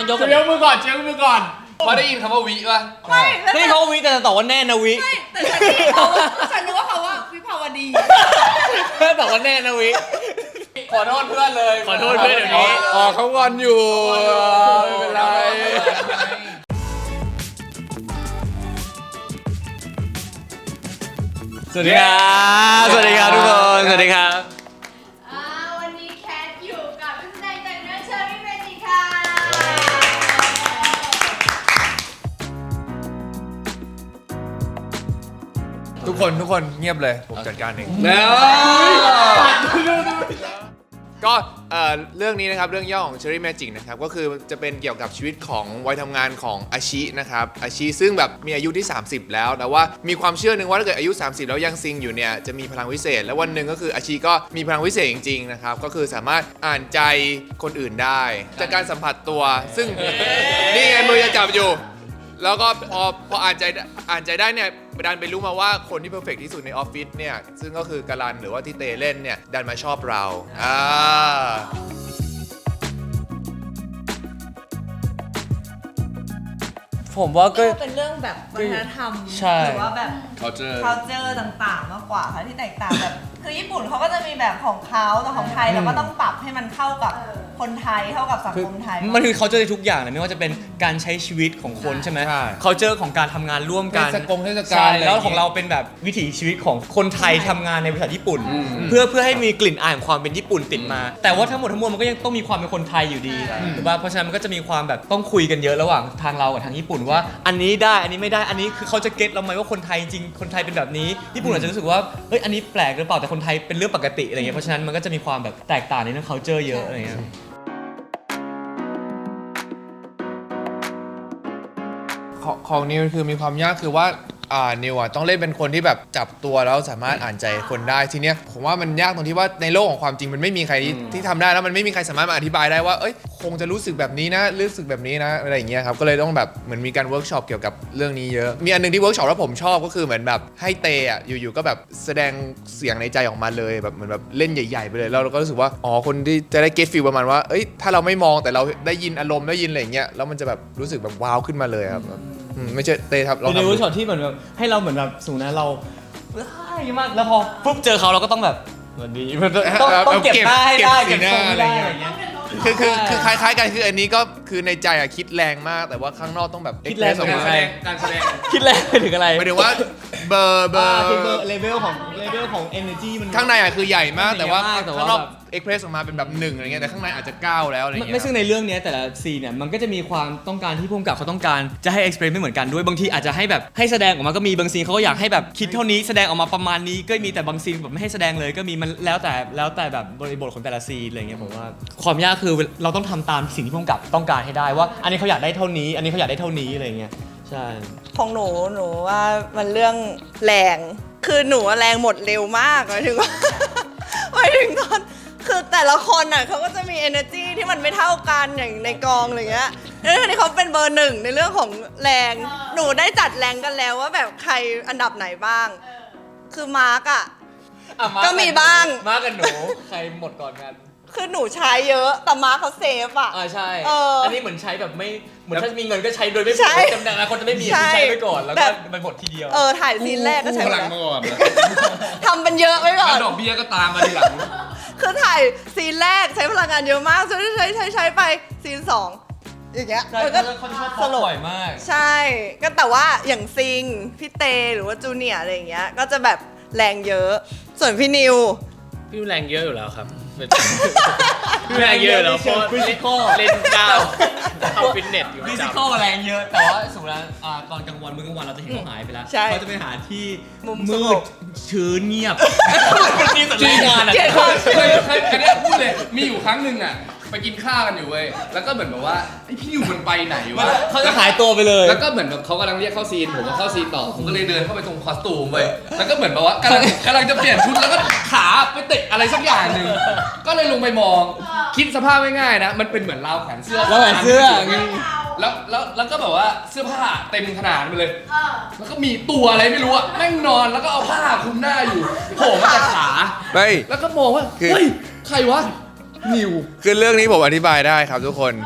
ต้องยกเชียร์มือก่อนมาได้ยินคำว่าวิป่ะไม่เขาวิแต่ตอบว่าแน่นะวิไม่แต่ฉันนึกว่าเขาว่าวิภาวดีตอบว่าแน่นะวิขอโทษเพื่อนเลยขอโทษเพื่อนเดี๋ยวนี้อ๋อเขางอนอยู่ไม่เป็นไรสวัสดีครับสวัสดีครับทุกคนสวัสดีครับวันนี้แคทอยู่กับนักแสดงจากเรื่องเชอรี่เมจิค่ะทุกคนเงียบเลยผมจัดการเองแล้วก็เรื่องนี้นะครับเรื่องย่อของ Cherry Magic นะครับก็คือจะเป็นเกี่ยวกับชีวิตของวัยทำงานของอาชินะครับอาชิซึ่งแบบมีอายุที่ 30 แล้วแต่ว่ามีความเชื่อหนึ่งว่าถ้าเกิดอายุ 30 แล้วยังซิงอยู่เนี่ยจะมีพลังวิเศษและวันหนึ่งก็คืออาชิก็มีพลังวิเศษจริงๆนะครับก็คือสามารถอ่านใจคนอื่นได้จากการสัมผัสตัว ซึ่งนี่ไงมือจะจับอยู่ แล้วก็พออ่านใจได้เนี่ยดันไปรู้มาว่าคนที่เพอร์เฟกที่สุดในออฟฟิศเนี่ยซึ่งก็คือกาลันหรือว่าที่เตเล่นเนี่ยดันมาชอบเราผมว่าก็เป็นเรื่องแบบวัฒนธรรมใช่หรือว่าแบบ culture ต่างๆมากกว่าค่ะที่แตกต่างแบบคือญี่ปุ่นเขาก็จะมีแบบของเขาแต่ของไทยเราก็ต้องปรับให้มันเข้ากับคนไทยเข้ากับสังคมไทยมันคือเขาเจอในทุกอย่างเลยไม่ว่าจะเป็นการใช้ชีวิตของคนใช่ไหมเขาเจอของการทำงานร่วมกันเทศกาลใช่แล้วของเราเป็นแบบวิถีชีวิตของคนไทยทำงานในบริษัทญี่ปุ่น เพื่อให้มีกลิ่นอายของความเป็นญี่ปุ่นติดมา แต่ว่าทั้งหมดทั้งมวลมันก็ยังต้องมีความเป็นคนไทยอยู่ดีถูกป่ะเพราะฉะนั้นมันก็จะมีความแบบต้องคุยกันเยอะระหว่างทางเรากับทางญี่ปุ่นว่าอันนี้ได้อันนี้ไม่ได้อันนี้คือเขาจะเก็ตเราไหมว่าคนไทยจริงคนไทยเป็นแบบนี้ญี่ปุ่นอาจจะรู้สึกว่าเฮ้ยอันนี้แปลกหรือเปล่าแต่คนไทยเป็นเรื่องปกติอะไรเงี้ยเพราะฉะนั้นมันก็จะมีความแบบแตกต่างในเรื่อง culture เยอะอะไรเงี้ยของนิวคือมีความยากคือว่านิวต้องเล่นเป็นคนที่แบบจับตัวแล้วสามารถอ่านใจคนได้ทีเนี้ยผมว่ามันยากตรงที่ว่าในโลกของความจริงมันไม่มีใครที่ทำได้แล้วมันไม่มีใครสามารถมาอธิบายได้ว่าเอ้ยคงจะรู้สึกแบบนี้นะรู้สึกแบบนี้นะอะไรอย่างเงี้ยครับก็เลยต้องแบบเหมือนมีการเวิร์กช็อปเกี่ยวกับเรื่องนี้เยอะมีอันนึงที่เวิร์กช็อปแล้วผมชอบก็คือเหมือนแบบให้เตอ่ะอยู่ๆก็แบบแสดงเสียงในใจออกมาเลยแบบเหมือนแบบเล่นใหญ่ๆไปเลยแล้วเราก็รู้สึกว่าอ๋อคนที่จะได้เก็ตฟีลประมาณว่าเอ้ยถ้าเราไม่มองแต่เราได้ยินอารมณ์ได้ยินอะไรอย่างเงี้ยแล้วมันจะแบบรู้สึกแบบว้าวขึ้นมาเลยครับไม่ใช่เตครับเราเป็นในทำเวิร์กช็อปที่เหมือนแบบให้เราเหมือนแบบสูงนะเรามากแล้วพอปุ๊บเจอเขาเราก็ต้องแบบสวัสดีต้องเก็บหน้าให้ได้เก็บทรงให้ได้อะไรเงี้ยคือคล้ายๆกันคืออันนี้ก็คือในใจอะคิดแรงมากแต่ว่าข้างนอกต้องแบบคิดแรง express ออกมาการแสดงคิดแรงไปถึงอะไรหมายถึงว่าเบอร์คือเบอร์เลเวลของ energy มันข้างในอะคือใหญ่มากแต่ว่าแต่ว่าข้างนอกเอ็กเพรสออกมาเป็นแบบ1อะไรเงี้ยแต่ข้างในอาจจะ9แล้วอะไรเงี้ยไม่ซึ่งในเรื่องนี้แต่ละซีนเนี่ยมันก็จะมีความต้องการที่ผู้กำกับเขาต้องการจะให้ explain ไม่เหมือนกันด้วยบางทีอาจจะให้แบบให้แสดงออกมาก็มีบางซีนเขาก็อยากให้แบบคิดเท่านี้แสดงออกมาประมาณนี้ก็มีแต่บางซีนแบบไม่ให้แสดงเลยก็มีมันแล้วแต่แบบบริบทของแต่ละซีนอะไรเงี้ยผมว่าความยากคือเราต้องทำตามสิ่งที่ผู้กำกับต้องการให้ได้ว่าอันนี้เขาอยากได้เท่านี้อันนี้เขาอยากได้เท่านี้อะไรเงี้ยใช่ของหนูว่ามันเรื่องแรงคือหนูแรงหมดเร็วมากหมายถึงว่า หมายถึงตอนคือแต่ละคนอ่ะเขาก็จะมี energy ที่มันไม่เท่ากันอย่างในกองอะไรเงี้ยแล้วทีนี้เขาเป็นเบอร์ 1ในเรื่องของแรงหนูได้จัดแรงกันแล้วว่าแบบใครอันดับไหนบ้างคือมาร์กอ่ะก็มีบ้างมากันหนูใครหมดก่อนกันคือหนูใช้เยอะแต่มาร์กเขาเซฟอ่ะใช่อันนี้เหมือนใช้แบบไม่เหมือนถ้ามีเงินก็ใช้โดยไม่ใช่จำนวนคนจะไม่มีใช่ใช้ไปก่อนแล้วแบก็บมันหมดทีเดียวถ่ายซีนแรกก็ใช้พไปลังแล้วมาก่อนทำเป็นเยอะไว้ก่อนดอกเบี้ยก็ตามมาทีหลังคือถ่ายซีนแรกใช้พลังงานเยอะมากใช้ไปซีน2อย่างเงี้ยใช่มันก็เขาชอบพอบ่อยมากใช่ก็แต่ว่าอย่างซิงพี่เตหรือว่าจูเนียร์อะไรอย่างเงี้ยก็จะแบบแรงเยอะ ส่วนพี่นิวพี่แรงเยอะอยู่แล้วครับ พี่แรงเยอะอยู่แล้วเพราะ physical เล่นก้าวเข้าฟิตเนสอยู่ประฟิจสิกอลแรงเยอะ แต่ว่าสมมติว่าตอนกลางวันมื้อกลางวันเราจะเห็นเขาหายไปแล้วใช่เขาจะไปหาที่มุมสมืงดบชื้นเงียบนี่สัญญาณอะเกลียดความเคยอันเนี้ยพูดเลยมีอยู่ครั้งหนึ่งอ่ะไปกินข้าวกันอยู่เว้ยแล้วก็เหมือนแบบว่าไอพี่นิวมันไปไหนวะเขาจะหายตัวไปเลยแล้วก็เหมือนแบบเขากำลังเรียกเข้าซีนผมก็เข้าซีนต่อผมก็เลยเดินเข้าไปตรงคอสตูมเว้ยแล้วก็เหมือนแบบว่ากำลังจะเปลี่ยนชุดแล้วก็ขาไปเตะอะไรสักอย่างหนึ่งก็เลยลงไปมองคิดสภาพง่ายๆนะมันเป็นเหมือนราวแขวนเสื้อราวแขวนเสื้อแล้วก็แบบว่าเสื้อผ้าเต็มขนาดไปเลย แล้วก็มีตัวอะไรไม่รู้อะแม่งนอนแล้วก็เอาผ้าคลุมหน้าอยู่โผล่มาจากขาเฮ้ยแล้วก็มองว่าคือเฮ้ยใครวะนิวคือเรื่องนี้ผมอธิบายได้ครับทุกคน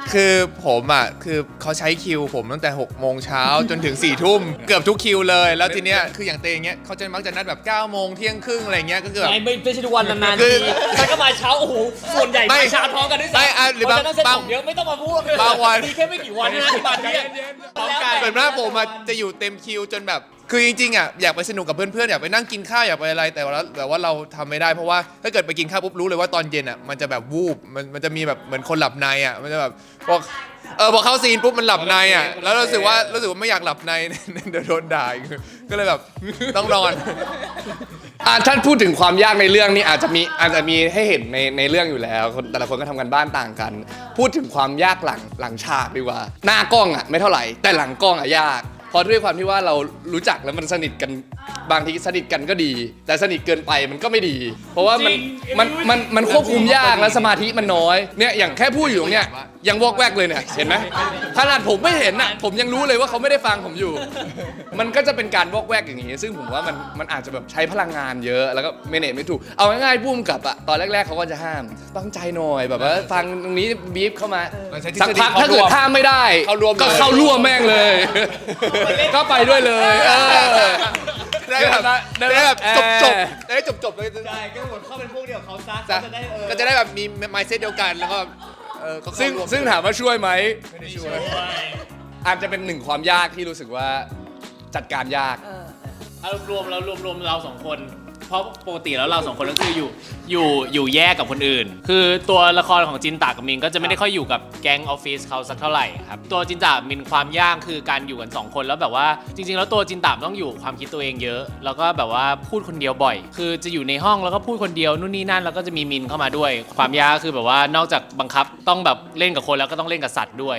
คือผมอ่ะคือเขาใช้คิวผมตั้งแต่6 โมงเช้าจนถึง4 ทุ่มเกือบทุกคิวเลยแล้วทีเนี้ยคืออย่างเตงเงี้ยเขาจะมักจะนัดแบบ9 โมงเที่ยงครึ่งอะไรเงี้ยก็คือแบบไม่ใช่ทุกวันนานคืๆอทีฉันก็มาเช้าโอ้โหส่วนใหญ่ไม่มาเช้าพร้อมกันด้วยซ้ำไม่หรือเพราะฉะนั้นเซ็ตบางผมเยอะไม่ต้องมาพูดบางวันมีแค่ไม่กี่วันนะบางทีพร้อมกันส่วนมากผมอะจะอยู่เต็มคิวจนแบบคือจริงๆอ่ะอยากไปสนุกกับเพื่อนๆอยากไปนั่งกินข้าวอยากไปอะไรแต่ว่าเราทำไม่ได้เพราะว่าถ้าเกิดไปกินข้าวปุ๊บรู้เลยว่าตอนเย็นอ่ะมันจะแบบวูบมันจะมีแบบเหมือนคนหลับในอ่ะมันจะแบบพอเข้าซีนปุ๊บมันหลับในอ่ะแล้วรู้สึกว่าไม่อยากหลับใน เดี๋ยวโดนด่าอีกก็เลยแบบต้องนอนท่านพูดถึงความยากในเรื่องนี้อาจจะมีให้เห็นในเรื่องอยู่แล้วแต่ละคนก็ทำกันบ้านต่างกัน พูดถึงความยากหลังฉากดีกว่า หน้ากล้องอ่ะไม่เท่าไหร่แต่หลังกล้องอ่ะยากเพราะด้วยความที่ว่าเรารู้จักแล้วมันสนิทกันบางทีสนิทกันก็ดี แต่สนิทเกินไปมันก็ไม่ดี เพราะว่ามันควบคุมยากและสมาธิมันน้อยเนี่ยอย่างแค่พูดอยู่ตรงเนี้ยยังวอกแวกเลยเนี่ยเห็นไหมขนาดผมไม่เห็นอ่ะผมยังรู้เลยว่าเขาไม่ได้ฟังผมอยู่ มันก็จะเป็นการวอกแวกอย่างนี้ซึ่งผมว่ามันอาจจะแบบใช้พลังงานเยอะแล้วก็เมเนจไม่ถูกเอาง่ายๆพุ่มกับอ่ะตอนแรกๆเขาก็จะห้ามตั้งใจหน่อยแบบว่าฟังตรงนี้บีฟเข้ามาสักพักถ้าเกิดห้ามไม่ได้ก็เข้าร่วมแม่งเลย ก็ไปด้วยเลยได้แบบจบเลยใช่ก็หมดเข้าเป็นพวกเดียวเขาซะก็จะได้แบบมี mindset เดียวกันแล้วก็ก็เข้าร่วมซึ่งถามว่าช่วยไหมไม่ได้ช่วยอาจจะเป็นหนึ่งความยากที่รู้สึกว่าจัดการยากเอารวมเราสองคน เพราะปกติแล้วเราสองคนก็คืออยู่แยกกับคนอื่น คือตัวละครของจินตากับมินก็จะไม่ได้ค่อยอยู่กับแก๊งออฟฟิศเขาสักเท่าไหร่ครับตัวจินตามินความยากคือการอยู่กัน2 คนแล้วแบบว่าจริงๆแล้วตัวจินตาต้องอยู่ความคิดตัวเองเยอะ แล้วก็แบบว่าพูดคนเดียวบ่อย คือจะอยู่ในห้องแล้วก็พูดคนเดียวนู่นนี่นั่นแล้วก็จะมีมินเข้ามาด้วย ความยากคือแบบว่านอกจากบังคับต้องแบบเล่นกับคนแล้วก็ต้องเล่นกับสัตว์ด้วย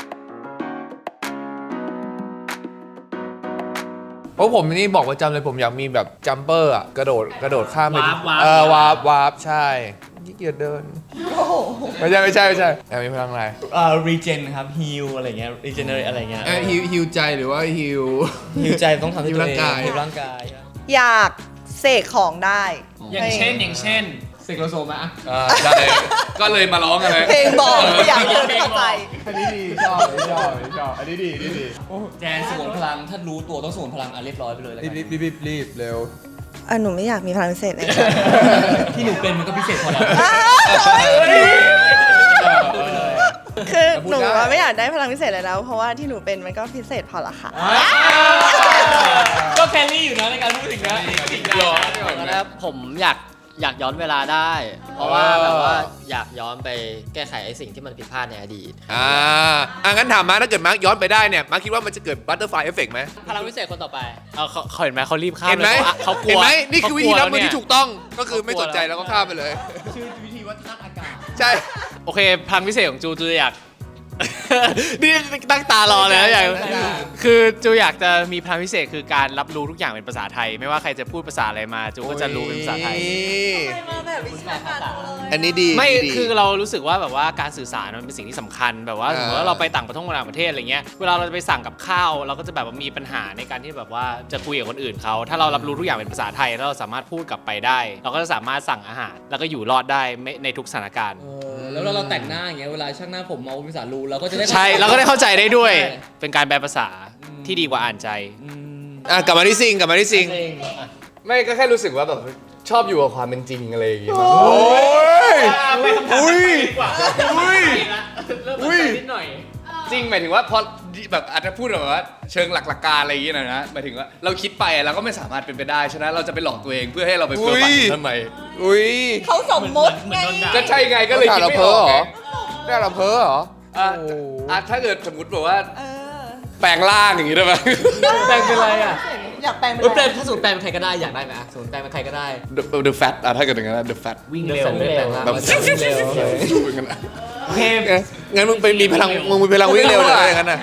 เพราะผมนี่บอกประจำเลยผมอยากมีแบบจัมเปอร์อ่ะกระโดดข้ามไปวาร์ปใช่ขี้เกียจเดินไม่ใช่อยากมีพลังอะไร regen ครับ heal อะไรเงี้ย regenerate อะไรเงี้ยฮิวใจหรือว่าฮิว heal ใจต้องทำให้ตัวเอง heal ร่างกายอยากเสกของได้อย่างเช่นเสกโลโซมาได้ก็เลยมาร้องกันเลยเพลงบอกอยากเดินเข้าใจอันนี้ดีชอบอันนี้ดีแจนสงวนพลังถ้ารู้ตัวต้องสงวนพลังเรียบร้อยไปเลยแล้วกันรีบเร็วหนูไม่อยากมีพลังพิเศษเลยที่หนูเป็นมันก็พิเศษพอแล้วคือหนูว่าไม่อยากได้พลังพิเศษเลยแล้วเพราะว่าที่หนูเป็นมันก็พิเศษพอละค่ะก็แคลรี่อยู่นะในการพูดถึงนะแล้วผมอยากย้อนเวลาได้ เพราะว่าแบบว่าอยากย้อนไปแก้ไขไอ้สิ่งที่มันผิดพลาดในอดีตงั้นถามมาถ้าเกิดมาร์คย้อนไปได้เนี่ยมาร์คคิดว่ามันจะเกิดบัตเตอร์ไฟเอฟเฟกต์ไหมพลังวิเศษคนต่อไปเขาเห็นไหมเขารีบข้ามเห็นไหมลยเขากลัวเห็นไหมนี่คือวิธีรับมือที่เขากลัวถูกต้องก็คือไม่สนใจแล้วก็ข้ามไปเลยชื่อวิธีวัฒนอากาศใช่โอเคพลังพิเศษของจูอยาก นี่ตั้งตารอเลยนะอยากคือจูอยากจะมีพลังพิเศษคือการรับรู้ทุกอย่างเป็นภาษาไทย ไม่ว่าใครจะพูดภาษาอะไรมาจูก็จะรู้เป็นภาษาไทยอันนี้ดีไม่คือเรารู้สึกว่าแบบว่าการสื่อสารมันเป็นสิ่งที่สำคัญแบบว่าสมมติว่าเราไปต่างประเทศอะไรเงี้ยเวลาเราจะไปสั่งกับข้าวเราก็จะแบบว่ามีปัญหาในการที่แบบว่าจะคุยกับคนอื่นเขาถ้าเรารับรู้ทุกอย่างเป็นภาษาไทยแล้วเราสามารถพูดกลับไปได้ เราก็จะสามารถสั่งอาหารแล้วก็อยู่รอดได้ในทุกสถานการณ์แล้วเราแต่งหน้าอย่างเงี้ยเวลาช่างหน้าผมเอาภาษารูเราก็จะได้ใช่เราก็ได้เข้าใจได้ด้วยเป็นการแปลภาษาที่ดีกว่าอ่านใจกลับมาที่ซิงไม่ก็แค่รู้สึกว่าแบบชอบอยู่กับความเป็นจริงอะไรอย่างเงี้ย จริงหมายถึงว่าพอแบบอาจจะพูดแบบว่าเชิงหลักการอะไรอย่างเงี้ยนะหมายถึงว่าเราคิดไปเราก็ไม่สามารถเป็นไปได้ฉะนั้นเราจะไปหลอกตัวเองเพื่อให้เราไปเพ้อฝันทำไมเขาสมมติไงก็ใช่ไงก็เลยคิดไม่ออกไงได้เราเพ้อเหรอถ้าเกิดสมมติแบบว่าแปลงร่างอย่างงี้ได้ไหมแปลงเป็นอะไรอ่ะอยากแปลงเป็นแปลงถ้าสูตรแปลงเป็นใครก็ได้อยากได้ไหมสมมติแปลงเป็นใครก็ได้ The Fat ถ้าเกิดอย่างนั้น The Fat วิ่งเร็วไม่แปลงร่างแบบวิ่งเร็วอย่างนั้นอะโอเคงั้นมึงไปมีพลังวิ่งเร็วเลยอย่างนั้นน่ะ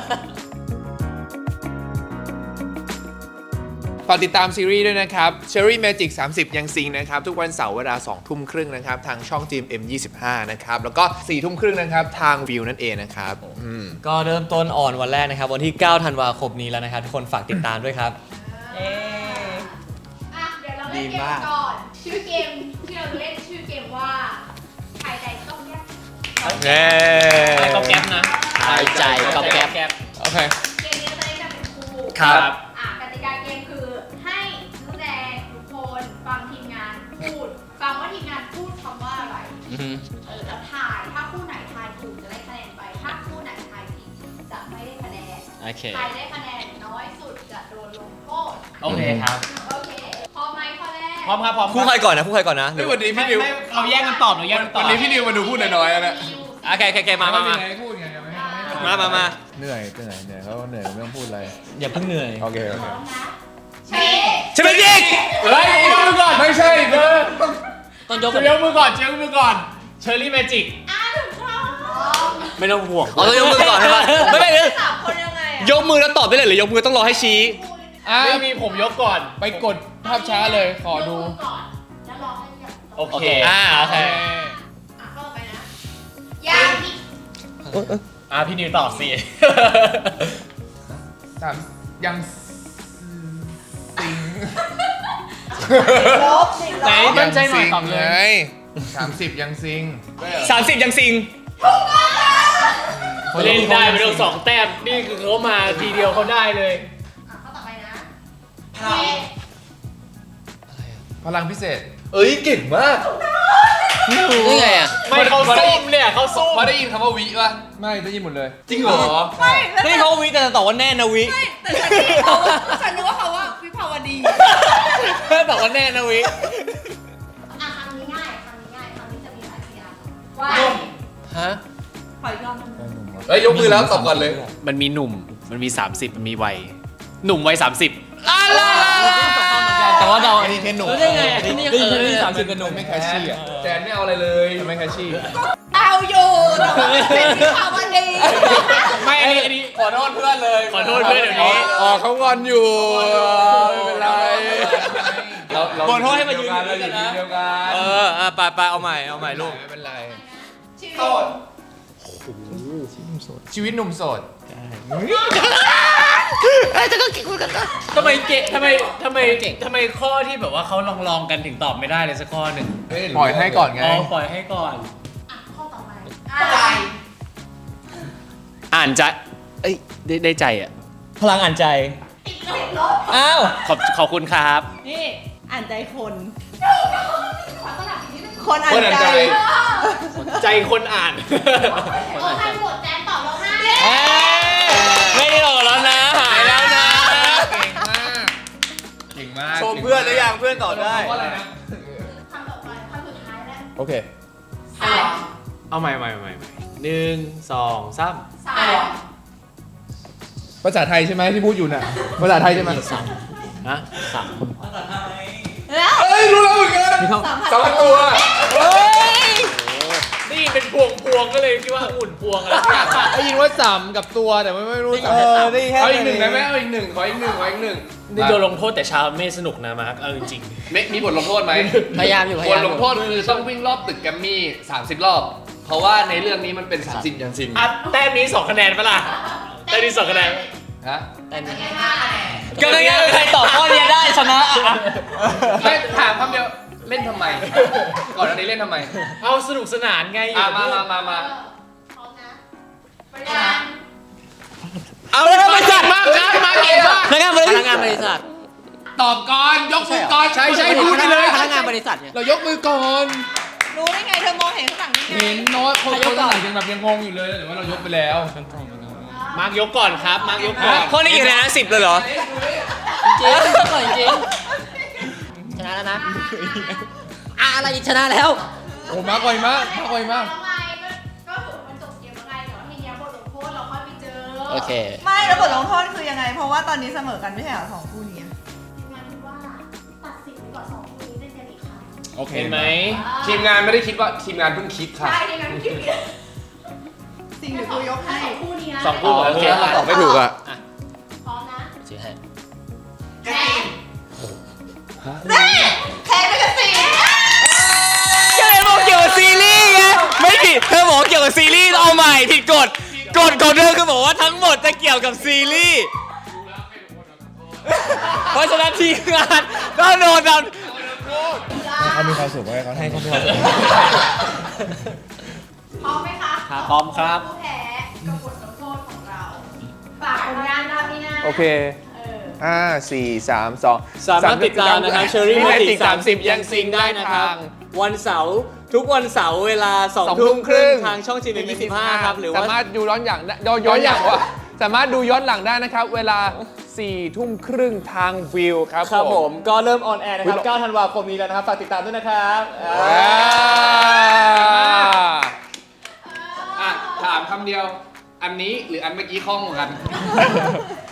ฝากติดตามซีรีส์ด้วยนะครับ Cherry Magic 30 ยังซิงนะครับ ทุกวันเสาร์เวลา 20:30 นะครับ ทางช่อง GMM25 นะครับ แล้วก็ 4:30 นะครับ ทางวิวนั่นเองนะครับก็เริ่มต้นออนวันแรกนะครับวันที่ 9 ธันวาคมนี้แล้วนะครับทุกคนฝากติดตามด้วยครับเดี๋ยวเราเล่นเกมก่อน ชื่อเกมที่เราเล่นชื่อเกมว่าใครใดต้องแยกใครก๊อบแก๊บนะทายใจกับแก๊ปแก๊บโอเคเกมนี้จะได้กันเป็นคู่ครับกติกาเกมคือให้นักแสดงทุกคนฟังทีมงานพูด ฟังว่าทีมงานพูดคำว่าอะไร แล้วถ่าย ถ้าคู่ไหนทายถูกจะได้คะแนนไป ถ้าคู่ไหนทายผิดจะไม่ได้คะแนนโอเคใครได้คะแนนน้อยสุดจะโดนลงโทษโอเคครับโอเค พร้อมไหมข้อแรกพร้อมครับพร้อมคู่ใครก่อนนะคู่ใครก่อนนะหรือวันนี้พี่นิวเราแยกกันตอบเราแยกกันตอบวันนี้พี่นิวมาดูพูดน้อยๆแล้วนะโอเคมาพูดไงยังไม่มาเหนื่อยเขาเหนื่อยไม่ต้องพูดอะไรอย่าเพิ่งเหนื่อยโอเคพร้อมนะเชฟใช่ไหมยิงเฮ้ยยกมือก่อนไม่ใช่เบอร์ต้องยกยกมือก่อนยกมือก่อนเชอร์รี่แมจิกถูกต้องไม่ต้องห่วงอ๋อต้องยกมือก่อนใช่ปะไม่สามคนยังไงอะยกมือแล้วตอบได้เลยหรือยกมือต้องรอให้ชี้ไม่มีผมยกก่อนไปกดภาพช้าเลยขอดูยกมืก่อนแล้วรอให้อย่างโอเคโอเคเข้าไปนะยางอีกพี่นิวตอบสิสามยังสิงลบสิไหนมั่นใจหน่อยตอบเลย 30ยังซิง 30ยังซิงเล่นได้ไปแล้ว2 แต้มนี่คือเขามาทีเดียวเขาได้เลยเข้าต่อไปนะพลังพิเศษเอ้ยเก่งมากนี่ไงอ่ะไม่เขาซุ่มเนี่ยเขาซุ่มพอได้ยินคำว่าวิป่ะไม่ได้ยินหมดเลยจริงเหรอนี่เขาวิแต่ตอบว่าแน่นะวิแต่ฉันนึกเขาว่าฉันนึกว่าเขาว่าวิภาวดีตอบว่าแน่นะวิคำนี้ง่ายคำนี้จะมีหลายพยางค์ว่าฮะขออีกรอบหนึงเฮ้ยยกมือแล้วตอบก่อนเลยมันมีหนุ่มมันมี 30 มันมีวัยหนุ่มวัย30 แต่ว่าเราอันนี้แค่หนุ่มรู้ได้ไงอ่ะที่นี่ยังเออเลย 30เป็นหนุ่มไม่แคชชี่อ่ะแจนไม่เอาอะไรเลยไม่แคชชี่เอาอยู่แต่ว่าเป็นวิภาวดีไม่อันนี้ขอโทษเพื่อนเลยขอโทษเพื่อนเดี๋ยวนี้อ๋อเขางอนอยู่ไม่เป็นไรเราขอโทษให้มายืนเราอยู่ทีมเดียวกันไปเอาใหม่ลูกไม่เป็นไรชีวิตชีวิตหนุ่มโสดทำไมเก่งทำไมข้อที่แบบว่าเขาลองกันถึงตอบไม่ได้เลยสักข้อหนึ่งปล่อยให้ก่อนไงอ๋อปล่อยให้ก่อนข้อต่อไปอ่านใจเอ้ยได้ใจอ่ะพลังอ่านใจติดลบอ้าวขอบคุณครับนี่อ่านใจคนขอสลับอีกนิดนึงคนอ่านใจใจคนอ่านโอ้ใครโหวตแจนตอบเราให้ไม่ได้หรอกแล้วนะ หายแล้วนะเก่งมากชมเพื่อนหรือยังเพื่อนตอบได้คำต่อไปคำสุดท้ายแล้วโอเคสามเอาใหม่1 2 3 สามภาษาไทยใช่ไหมที่พูดอยู่น่ะ ภาษาไทยใช่ไหมฮะแล้วเอ้ยรู้แล้วเหมือนกันสัมผัสสองตัวนี่เป็นพวงก็เลยคิดว่าอุ่นพวงอะไรสักอย่างได้ยินว่าสามกับตัวแต่ไม่รู้สามได้แค่เอาอีกหนึ่งได้ไหมเอาอีกหนึ่งขออีกหนึ่งขออีกหนึ่งนี่โดนลงโทษแต่เช้าไม่สนุกนะมาร์คเอาจริงมีบทลงโทษไหมพยายามอยู่พบยายาทมอลยู่งโทษคือต้องวิ่งรอบตึกแกรมมี่30 รอบ เพราะว่าในเรื่องนี้มันเป็น30ยังซิงๆอ่ะแต้มนี้2 คะแนนปะล่ะแต้มนี้2 คะแนนฮะแต่นี่ก็ไม่งั้นใครตอบข้อนี้ได้ชนะไม่ถามคำเดียวเล่นทำไม ก่อนอันนี้เล่นทำไมเอาสนุกสนานไงมาพร้อมนะไปยังเอาแล้วบริษัทมาครับมาเก่งมากพนักงานบริพษันัทกงานบริษัทตอบก่อนยกมือก่อนใช่พูดไปเลยพนักงานบริษัทเนี่ยเรายกมือก่อนรู้ได้ไงเธอมองเห็นข้างหลังได้ไงเห็นโน้ตคนข้างหลังยังแบบยังงงอยู่เลยหรือว่าเรายกไปแล้วมาร์คยกก่อนครับมาร์คยกก่อนข้อนี้กี่คะแนนนะ10เลยเหรอจริงก่อนจริงชนะแล้วนะอะไรอีกชนะแล้วโอ้มากไวมากมากไวมากแล้วไงก็ถือมันจบเกมแล้วไงแต่ว่าทีนี้บทลงโทษเราค่อยไปเจอโอเคไม่แล้วบทลงโทษคือยังไง เพราะว่าตอนนี้เสมอกันไม่ใช่เหรอสองคู่นี้ทีมงานคิดว่าตัดสินไปก่อน2คู่นี้เล่นกันอีกครั้งโอเคเห็นไหมทีมงานไม่ได้คิดว่าทีมงานเพิ่งคิดค่ะใช่ทีมงานคิดผิดสิ่งเดี๋ยวกูยกให้สองคู่นี้นะ 2 คู่โอเคตอบไม่ถูกอ่ะพร้อมนะชื่อให้แจนแพ้ไปกันสิก็เลยบอกเกี่ยวกับซีรีส์ไงไม่ผิดเธอบอกเกี่ยวกับซีรีส์เอาใหม่ผิดกฎเดิมคือบอกว่าทั้งหมดจะเกี่ยวกับซีรีส์เพราะฉะนั้นทีมงานก็โดนเราเขามีความสุขให้เขาให้เขามีความสุขพร้อมไหมคะพร้อมครับผู้แพ้กับบทลงโทษของเราฝากผลงานเรานี่นะโอเค 4 3 2 สามารถติดตามนะครับเชอรี่มีมาอะไรติติดด 30 ยังซิงได้นะครับ วันเสาร์ทุกวันเสาร์เวลา 2 2 ทุ่ทุ่มมคครึ่รึ่งงทางช่องจีนเป็น25ครับ หรือว่าสามารถดูย้อนหลังย้อนหลังวะสามารถดูย้อนหลังได้นะครับ เวลา 4 ทุ่มครึ่งทางวิวครับครับผผม มก็เริ่มออนแอร์นะครับ 9 ธันวาคมนี้แล้วนะครับ ฝากติดตามด้วยนะครับอ่ะถามคำเดียว อันนี้หรืออันเมื่อกี้คล่องกว่ากัน